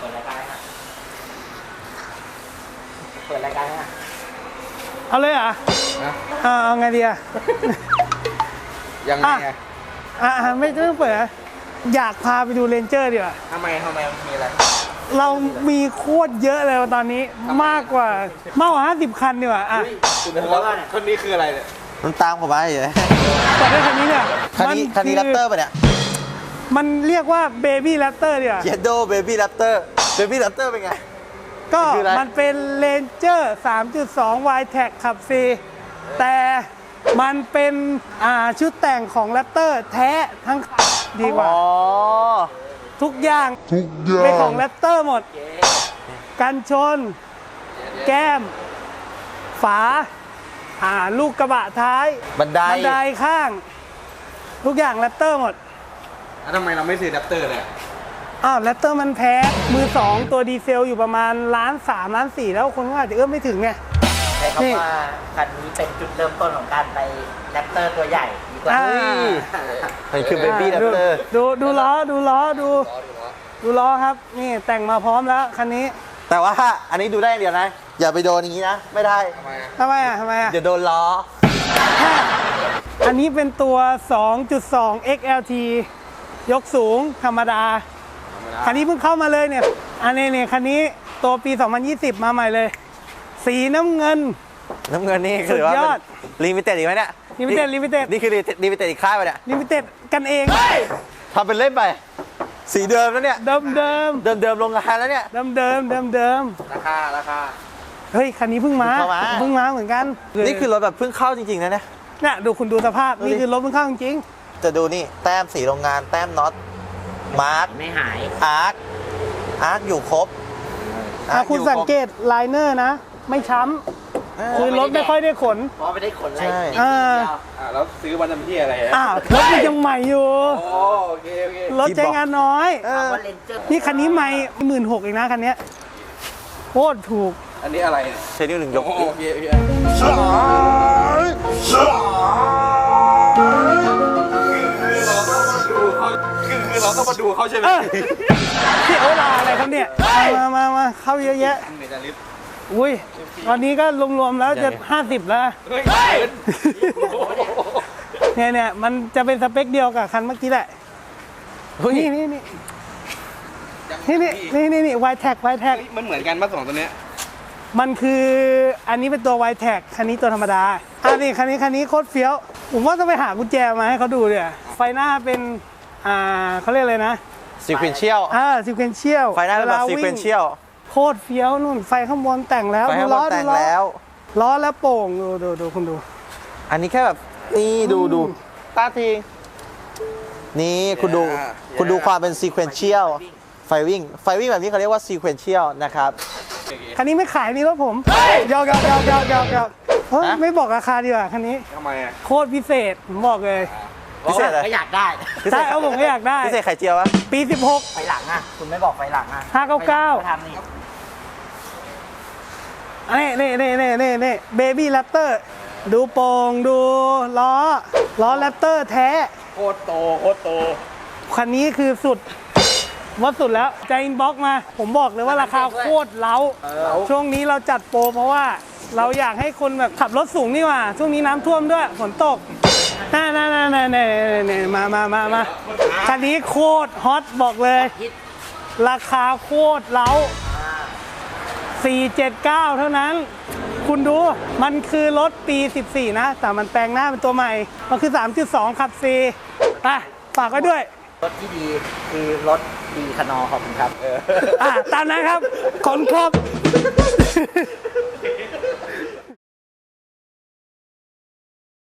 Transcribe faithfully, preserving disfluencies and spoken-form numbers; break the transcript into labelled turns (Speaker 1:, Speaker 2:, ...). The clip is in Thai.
Speaker 1: ปิดรายการนะเปิดรายการนะ
Speaker 2: เอาเลยเหรอเอาไงดีอะ
Speaker 3: ยังไง
Speaker 2: อ่ะไม่ต้องเปิดอยากพาไปดูเรนเจอร์ดีกว่า
Speaker 3: ทำไมทำไมมีอะไร
Speaker 2: เรามีโคตรเยอะเลยตอนนี้มากกว่ามากกว่าห้าสิบคันดีกว่าอ่ะ
Speaker 3: คนนี้คืออะไรเนี่ย
Speaker 4: มันตามผมมาอยู่
Speaker 2: แต่ด้วยคันนี้เนี่ย
Speaker 4: คันนี้คันนี้แรปเตอร์ป่ะเนี่ย
Speaker 2: มันเรียกว่าเบบี้แรปเตอร์ดีกว่า
Speaker 4: เยดโดเบบี้แรปเตอร์เบบี้แรปเตอร์เป็นไง
Speaker 2: ก็มันเป็นเรนเจอร์ สามจุดสอง วาย แท็ก ขับฟรีแต่มันเป็นอ่าชุดแต่งของแรปเตอร์แท้ทั้งคันดีกว่าทุกอย่างเป็นของแรปเตอร์หมดกันชนแก้มฝาอ่าลูกกระบะท้าย
Speaker 4: บันได
Speaker 2: บันไดข้างทุกอย่างแรปเตอร์หมด
Speaker 3: แล้วทำไมเราไม่ซื้อแรปเตอร์เลย
Speaker 2: อ้าวแรปเตอร์มันแพ้มือสองตัวดีเซลอยู่ประมาณล้านสามล้านสี่แล้วคนก็อาจจะเอื้อมไม่ถึงไง
Speaker 1: ใช้คำว่าคันนี้เป็นจุดเริ่มต้นของการไปแรปเตอร์ตัวใหญ่ดีกว่า
Speaker 4: มันคือเบบี้แรปเตอร์
Speaker 2: ดูดูล้อดูล้อดูดูล้อครับนี่แต่งมาพร้อมแล้วคันนี้
Speaker 4: แต่ว่าอันนี้ดูได้อย่างเดียวนะอย่าไปโดนอย่างนี้นะไม่ได้
Speaker 2: ทำไมอ่ะทำไมอ่ะ
Speaker 4: อย่าโดนล้อ
Speaker 2: อันนี้เป็นตัว สองจุดสอง เอ็กซ์ แอล ที ยกสูงธรรมดาคันนี้เพิ่งเข้ามาเลยเนี่ยอันนี้เนี่ยคันนี้ตัวปีสองพันยี่สิบมาใหม่เลยสีน้ำเงิน
Speaker 4: น้ำเงินนี่คือว่าลิมิเต็ดอีกไหมเนี่ย
Speaker 2: ลิมิเต็ดลิมิเต็ด
Speaker 4: นี่คือลิมิเต็ดอีกค่ายไปเนี่ย
Speaker 2: ลิมิเต็ดกันเอง
Speaker 4: ทำเป็นเล่นไปสีเดิมแล้วเนี่ย
Speaker 2: เดิมเดิม
Speaker 4: เดิมเดิมลงงานแล้วเนี่ย
Speaker 2: เดิมเดิมเดิมเดิม
Speaker 3: ราคาราคา
Speaker 2: เฮ้ยคันนี้เพิ่งมาเพิ่งมาเหมือนกัน
Speaker 4: นี่คือรถแบบเพิ่งเข้าจริงๆนะเนี่ย
Speaker 2: เนี่ยดูคุณดูสภาพนี่คือรถเพิ่งเข้าจริง
Speaker 4: จะดูนี่แต้มสีโรงงานแต้มน็อตมาร์ค
Speaker 1: ไม่หาย
Speaker 4: อาร์คอาร์คอยู่ครบ
Speaker 2: ถ้าคุณสังเกตไลเนอร์นะไม่ช้ำคือรถไม่ค่อยได้ขน
Speaker 1: เพราะไม่ได้ขนอะไร
Speaker 2: อ่า
Speaker 3: แล้วซื้อวันน้ำที่อะไร
Speaker 2: อ่ารถมันยังใหม่อยู่
Speaker 3: โอเคโอเค
Speaker 2: รถใช้งานน้อยนี่คันนี้ใหม่หมื่นหกเองนะคันนี้โคตรถูก
Speaker 3: อันนี้อะไร
Speaker 4: ใช้นิ้วหนึ่งยก
Speaker 3: โอเคโอเคคือเราต้องมาดูเขาใช่ไหม
Speaker 2: ที่เอาลาอะไรครับเนี่ยมามามาเข้าเยอะแยะอุ้ยตอนนี้ก็รวมๆแล้วจะห้าสิบแล้วเนี่ยเนี่ยมันจะเป็นสเปคเดียวกับคันเมื่อกี้แหละนี่นี่นี่นี่นี่นี่นี่ วาย แท็ก วาย แท็ก
Speaker 3: มันเหมือนกันป่ะสองตัวเนี้ย
Speaker 2: มันคืออันนี้เป็นตัว วาย แท็ก คันนี้ตัวธรรมดาอันนี้คันนี้คันนี้โคตรเฟี้ยวผมว่าต้องไปหากุญแจมาให้เขาดูเนี่ยไฟหน้าเป็นอ่าเขาเรียกอะไรนะ
Speaker 4: ซีเควนเชียล
Speaker 2: อ่าซีเควนเชียล
Speaker 4: ไฟหน้าเป็นแบบซีเควนเชียล
Speaker 2: โคตรเฟี้ยวนู่นไฟข้างบนแต่งแล้ว
Speaker 4: ดูล้อแต่งแล้ว
Speaker 2: ล้อแล้วโป่งดูดูดูคุณดู
Speaker 4: อันนี้แค่แบบนี่ดูดูตาทีนี่คุณดูคุณดูความเป็นซีเควนเชียลไฟวิ่งไฟวิ่งแบบนี้เขาเรียกว่าซีเควนเชียลนะครับ
Speaker 2: คันนี้ไม่ขายนี่รถผมยอกยอกยอกยอกยอกยอกไม่บอกราคาดีกว่าคันนี้
Speaker 3: ทำไมอ่ะ
Speaker 2: โคตรพิเศษผมบอกเลย
Speaker 4: พิเศษอะไร
Speaker 1: ก็อยากได้
Speaker 2: ใช่เอาผมก็อยากได้
Speaker 4: พิเศษไข่เจียววะ
Speaker 2: ปีสิบหก
Speaker 1: ไฟหลังอ่ะคุณไม่บอกไฟหลังอ่ะ
Speaker 2: ห้าเก้าเก้า
Speaker 1: ทำนี่
Speaker 2: นี่นี่นี่นี่นี่นี่เบบี้แรปเตอร์ดูโป่งดูล้อล้อแรปเตอร์แท้
Speaker 3: โคตรโตโคตรโต
Speaker 2: คันนี้คือสุดวัดสุดแล้วใจอินบ็อกมาผมบอกเลยว่าราคาโคตรเล้าช่วงนี้เราจัดโปรเพราะว่าเราอยากให้คนแบบขับรถสูงนี่ว่าช่วงนี้น้ำท่วมด้วยฝนตกน่าน่าน่าน่าน่ามามามามาคันนี้โคตรฮอตบอกเลยราคาโคตรเล้าสี่เจ็ดเก้าเท่านั้นคุณดูมันคือรถปีสิบสี่นะแต่มันแปลงหน้าเป็นตัวใหม่มันคือ สามจุดสอง ขับซีไปฝากไว้ด้วย
Speaker 1: รถที่ดีคือรถดีคานอขอบคุณครับ
Speaker 2: อ่าตามนั้นครับขอบคุณครับ